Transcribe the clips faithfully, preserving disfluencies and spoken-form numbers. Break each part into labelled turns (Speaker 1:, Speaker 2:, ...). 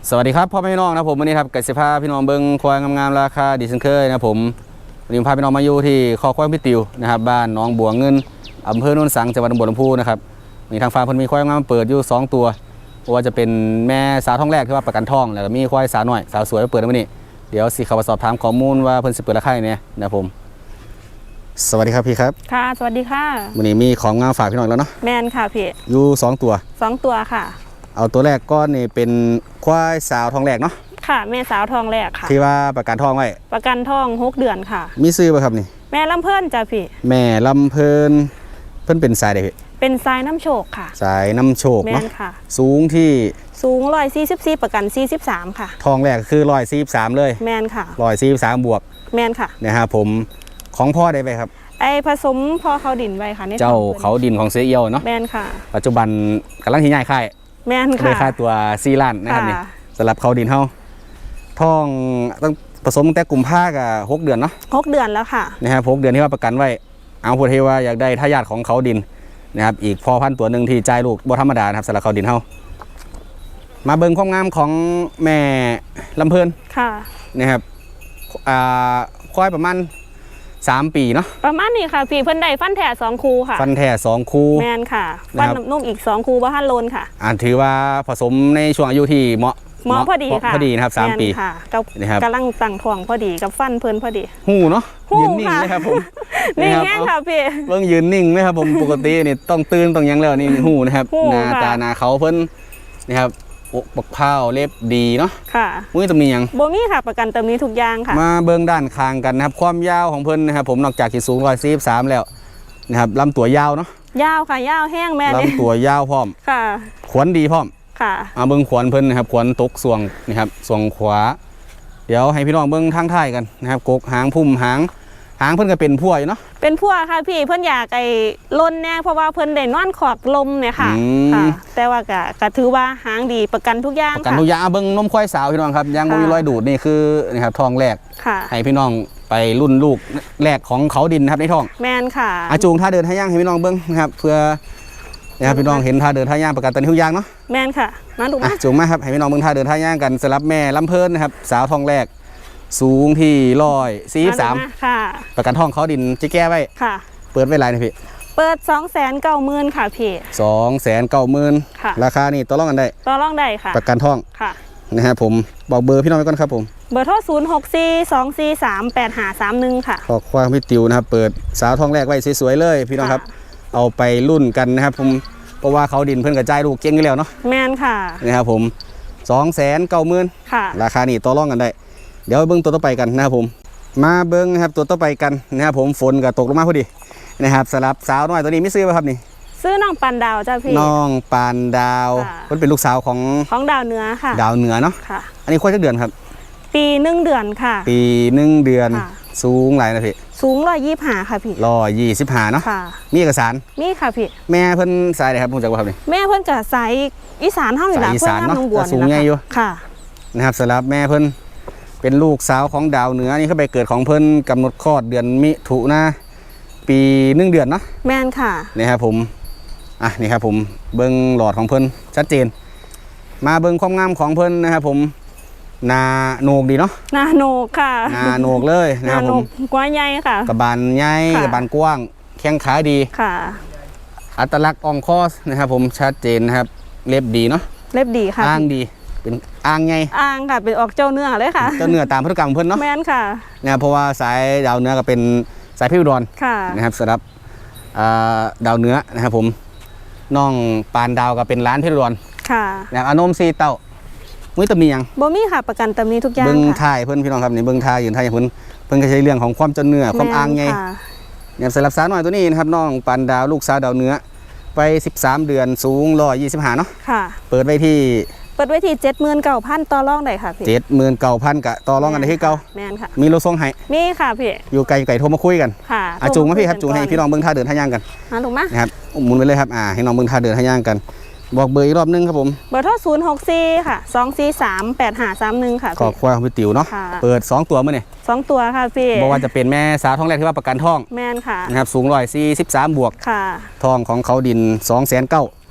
Speaker 1: สวัสดีครับพ่อแม่พี่น้องนะผมวันนี้ครับกสิภาพี่น้องเบิ้งควายงามๆราคาดีเช่นเคยนะผมวันนี้พาพี่น้องมาอยู่ที่คอควายพี่ติวนะครับบ้านน้องบัวเงินอำเภอโนนสังจังหวัดบัวลำพูนะครับมีทางฟาร์มเพิ่นมีควายงามเปิดอยู่สองตัวว่าจะเป็นแม่สาวท้องแรกที่ว่าประกันท้องแล้วก็มีควายสาวหน่อยสาวสวยเปิดวันนี้เดี๋ยวสิเข้ามาสอบถามข้อมูลว่าเพิ่นสิเปิดราคาเนี่ยนะผมสวัสดีครับพี่ครับ
Speaker 2: ค่ะสวัสดีค่ะ
Speaker 1: วันนี้มีของงามฝากพี่น้องแล้วเนาะ
Speaker 2: แมนค่ะพี่
Speaker 1: อยู่สองตัว
Speaker 2: สองตัวค่ะ
Speaker 1: เอาตัวแรกก้อนนี่เป็นควายสาวท้องแรกเนาะ
Speaker 2: ค่ะแม่สาวทองแรกค่ะ
Speaker 1: ที่ว่าประกันท้องไว้
Speaker 2: ประกันท้องหกเดือนค่ะ
Speaker 1: มีซื้อป่ะครับนี่
Speaker 2: แม่ลำเพิ่นจ้ะพี่
Speaker 1: แม่ลำเพลินเพิ่นเป็นสายใดพี่
Speaker 2: เป็นสายน้ำโชคค่ะ
Speaker 1: สายน้ำโชค
Speaker 2: เนาะค่ะ
Speaker 1: สูงที่
Speaker 2: สูงร้อยสี่สิบสี่ประกันสี่สิบสามค่ะ
Speaker 1: ทองแรกคือร้อยสี่สิบสามเลย
Speaker 2: แมนค่ะ
Speaker 1: ร้อยสี่สิบสามบวก
Speaker 2: แมนค่ะ
Speaker 1: นะฮะผมของพ่อได้ไปครับ
Speaker 2: ไอผสมพ่อเขาดินไว้ค่ะ
Speaker 1: เจ้าเขาดินของเสียเอียวเนาะ
Speaker 2: แมนค่ะ
Speaker 1: ปัจจุบันกำลังที่ย้ายค่าย
Speaker 2: แมนค่ะ
Speaker 1: ได้ค่าตัวสี่ล้านนะครับนี่สำหรับเขาดินเฮาท้องต้องผสมตั้งแต่กุมภากับหกเดือนเนาะ
Speaker 2: หกเดือนแล้วค่ะ
Speaker 1: นะฮะหกเดือนที่ว่าประกันไว้เอาพูดให้ว่าอยากได้ทายาทของเขาดินนะครับอีกพอพันตัวหนึ่งที่จ่ายลูกบ่ธรรมดานะครับสำหรับเขาดินเฮามาเบิ่งความงามของแม่ลำเพลิน
Speaker 2: ค่ะ
Speaker 1: นะครับอ่าควายประมาณสามปีเนาะ
Speaker 2: ประมาณนี้ค่ะพี่เพิ่นได้ฟันแท้สองคูค่ะ
Speaker 1: ฟันแท้สองคู
Speaker 2: แมนค่ะฟันนุ่มอีกสองคูบ่ทันโลนค่ะ
Speaker 1: อ่าถือว่าผสมในช่วงอายุที่เหมาะ
Speaker 2: เหมาะพอดีค่ะ
Speaker 1: พอดีนะครับสามปี
Speaker 2: ค่ะกำลังตั้งท้องพอดีกับฟันเพิ่นพอดี
Speaker 1: หูเนาะยืนนิ่งเลยครับผม
Speaker 2: นิ่งแง่ค่ะพี่
Speaker 1: เบิ่งยืนนิ่งเลยครับผมปกตินี่ต้องตื่นต้องยังแล้วนี่หูนะครับหน้าตาหน้าเขาเพิ่นนะครับอกปักเผาเล็บดีเนาะ
Speaker 2: ค่ะ
Speaker 1: มุ้ยตำหนิยัง
Speaker 2: โบมี่ค่ะประกันตำหนิทุกอย่างค่ะ
Speaker 1: มาเบื้องด้านคางกันนะครับความยาวของเพิ่นนะครับผมนอกจากที่สูงร้อยสี่สิบสามแล้วนะครับลำตัวยาวเนาะ
Speaker 2: ยาวค่ะยาวแห้งแม่
Speaker 1: ลำตัวยาวพร้อม
Speaker 2: ค่ะ
Speaker 1: ขวนดีพร้อม
Speaker 2: ค่ะ
Speaker 1: มาเบื้องขวนเพิ่นนะครับขวนตกส่วงนะครับส่วงขวาเดี๋ยวให้พี่น้องเบื้องทางท้ายกันนะครับกกหางพุ่มหางหางเพิ่นก็เป็นพั่วอยู่เนาะ
Speaker 2: เป็นพั่วค่ะพี่เพิ่นอยากไอ้ล้นแน่เพราะว่าเพิ่นได้นอนขอบลมเนี่ยค่ะค่ะแต่ว่าก็ก็ถือว่าหางดีประกันทุกอย่าง
Speaker 1: ประกันทุกอย่างเบิ่งนมควายสาวพี่น้องครับยังบ่มีรอยดูดนี่คือนะครับทองแรกให้พี่น้องไปรุ่นลูกแรกของเขาดินนะครับในท้อง
Speaker 2: แมนค่ะ
Speaker 1: อาจูงท่าเดินท่าย่างให้พี่น้องเบิ่งนะครับเพื่อนะครับพี่น้องเห็นท่าเดินท่าย่างประกันตอนทุกอย่างเนาะ
Speaker 2: แมนค่ะมาดูมา
Speaker 1: จูงมาครับให้พี่น้องเบิ่งท่าเดินท่าย่างกันสำหรับแม่ลำเพลินนะครับสาวทองแรกสูงที่ร้อยสี่สิบสามประกันท้องเขาดินจะแก้ไว้
Speaker 2: ค่ะ
Speaker 1: เปิดไว้ไรนะพี่
Speaker 2: เปิดสองแสนเก้าหมื่นค่ะพี่
Speaker 1: สองแสนเก้าหมื่นราคานี่ต่อรองกันได้
Speaker 2: ต่อรองได้ค่ะ
Speaker 1: ประกันท้อง
Speaker 2: ค่ะ
Speaker 1: นะฮะผมบอกเบอร์พี่น้องไว้ก่อนครับผม
Speaker 2: เบอร์โทรศูนย์หกสี่สองสี่สามแปดห้าสามหนึ่งค่ะ
Speaker 1: ขอความพี่ติวนะครับเปิดสาวทองแรกไว้สวยๆเลยพี่น้องครับเอาไปรุ่นกันนะครับผมเพราะว่าเขาดินเพิ่นกระจายลูกเก่งอยู่แล้วเนาะ
Speaker 2: แมนค่ะ
Speaker 1: นะครับผมสองแสนเก้าหมื่นราคานี่ต่อรองกันได้เดี๋ยวเบิ้งตัวต่อไปกันนะครับผมมาเบิ้งนะครับตัวต่อไปกันนะครับผมฝนก็ตกลงมาพอดีนะครับสลับสาวน้อยตัวนี้ไม่ซื้อป่ะครับนี่
Speaker 2: ซื้อน้องปานดาวจ้าพี่
Speaker 1: น้องปานดาวมันเป็นลูกสาวของ
Speaker 2: ของดาวเหนือค่ะ
Speaker 1: ดาวเหนือเนาะ
Speaker 2: ค่ะ
Speaker 1: อันนี้ควายจักเดือนครับ
Speaker 2: ปีหนึ่งเดือนค่ะ
Speaker 1: ปีหนึ่งเดือนสูงหลายนะพี่
Speaker 2: สูงร้อยยี่สิบห้าค่ะพี่
Speaker 1: ร้อยยี่สิบห้าเนาะมีเอกสาร
Speaker 2: มีค่ะพี่
Speaker 1: แม่เพิ่นสายไหนครับผมจักว่าครับนี่
Speaker 2: แม่เพิ่นกับสายอีสานเท่าอยู่แล้ว
Speaker 1: อีสานเนาะสูงใหญ่อยู่
Speaker 2: ค่ะ
Speaker 1: นะครับสำหรับแม่เพิ่นเป็นลูกสาวของดาวเหนือนี่เขาไปเกิดของเพิ่นกำหนดคลอดเดือนมิถุนาปีหนึ่งเดือนเนาะ
Speaker 2: แม่นค่ะ
Speaker 1: นี่ครับผมอ่ะนี่ครับผมเบิ้งหลอดของเพิ่นชัดเจนมาเบิ้งความงามของเพิ่นนะครับผมนาโหนกดีเนาะ
Speaker 2: นาโหนกค่ะ
Speaker 1: นาโหนกเลยนะครับผม
Speaker 2: กว้างใหญ่ค่ะ
Speaker 1: กระบาลใหญ่กระบาลกว้างแข้งขาดี
Speaker 2: ค่ะ
Speaker 1: อัตลักษณ์อ่องคอสนะครับผมชัดเจนนะครับเล็บดีเนาะ
Speaker 2: เล็บดีค่ะ
Speaker 1: อ้างดีเป็นอ่างไง
Speaker 2: อ่างค่ะเป็นออกเจ้าเนื้อเลยค่ะ
Speaker 1: เจ้าเนื้อตามพฤติกรรมเพื่อนเนาะ
Speaker 2: แม่นค่ะ
Speaker 1: นะครับเพราะว่าสายดาวเนื้อก็เป็นสายพิวดอนนะครับสำหรับดาวเนื้อนะครับผมน้องปานดาวก็เป็นร้านพิวดอน
Speaker 2: ค่ะ
Speaker 1: นะครับอนมซีเต้ามุ้ยตำหนิยัง
Speaker 2: บ่มีค่ะประกันตำหนิทุกอย่าง
Speaker 1: เบิ้งท่ายเพื่อนพี่น้องครับนี่เบิ้งท่ายยืนท่ายอย่างเพื่อนเพื่อนก็ใช้เรื่องของความเจ้าเนื้อความอ่างไงเนี่ยสำหรับสาวน้อยตัวนี้นะครับน้องปานดาวลูกสาวดาวเนื้อไปสิบสามเดือนสูงร้อยยี่สิบห้าเนาะ
Speaker 2: ค่ะ
Speaker 1: เปิดไว้ที่
Speaker 2: เปิดไว้ที่เจ็ดหมื่นเก้าพันต่อรองได้ค่ะพี่
Speaker 1: เจ็ดหมื่นเก้าพันกะต่อรองกันได้ที่เก่า
Speaker 2: แม่นค่ะ
Speaker 1: มีรถส่งให้
Speaker 2: มีค่ะพี่
Speaker 1: อยู่ไกลไก่โทรมาคุยกัน
Speaker 2: ค่ะ
Speaker 1: อาจูงมาพี่ครับจูงให้พี่น้องเบิ้งท่าเดินท่าย่างกัน
Speaker 2: มาถูกไหม
Speaker 1: นะครับหมุนไปเลยครับอ่าให้น้องเบิ้งท่าเดินท่าย่างกันบอกเบอร์อีกรอบนึงครับผม
Speaker 2: เบอร์โทรศูนย์หกสี่ค่ะสองสี่สามแปดห้าสามหนึ่งค่ะ
Speaker 1: ขอควายของพี่ติ๋วเนาะเปิดสองตัวมื่อนี่
Speaker 2: สองตัวค่ะพี่
Speaker 1: บอกว่าจะเป็นแม่สาวท้องแรกที่ว่าประกันท้อง
Speaker 2: แม่นค่ะ
Speaker 1: นะครับสูงร้อยสี่สิบสามบวก
Speaker 2: ค่ะ
Speaker 1: ท้องของเขาดินสองแสนเก้า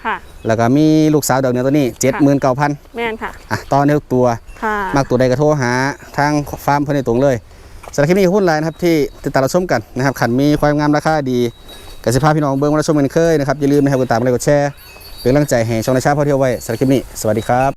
Speaker 2: ค่ะ
Speaker 1: แล้วก็มีลูกสาวดอกเหนือตัวนี้เจ็ดหมื่นเก้าพัน
Speaker 2: แม่นค่ะ
Speaker 1: อ่ะตอนนี้ทุกตัว
Speaker 2: ค่ะ
Speaker 1: มากตัวใดก็โทรหาทางฟาร์มเพื่อนในตรงเลยสำหรับคลิปนี้ขอบคุณหลายนะครับที่ติดตามรับชมกันนะครับขันมีความงามราคาดีกสิภาพี่น้องเบิ้งมารับชมกันเคยนะครับอย่าลืมนะครับกดติดตามกดไลค์กดแชร์เป็นกำลังใจให้ช่องในชาติพ่อเที่ยวไว้สำหรับคลิปนี้สวัสดีครับ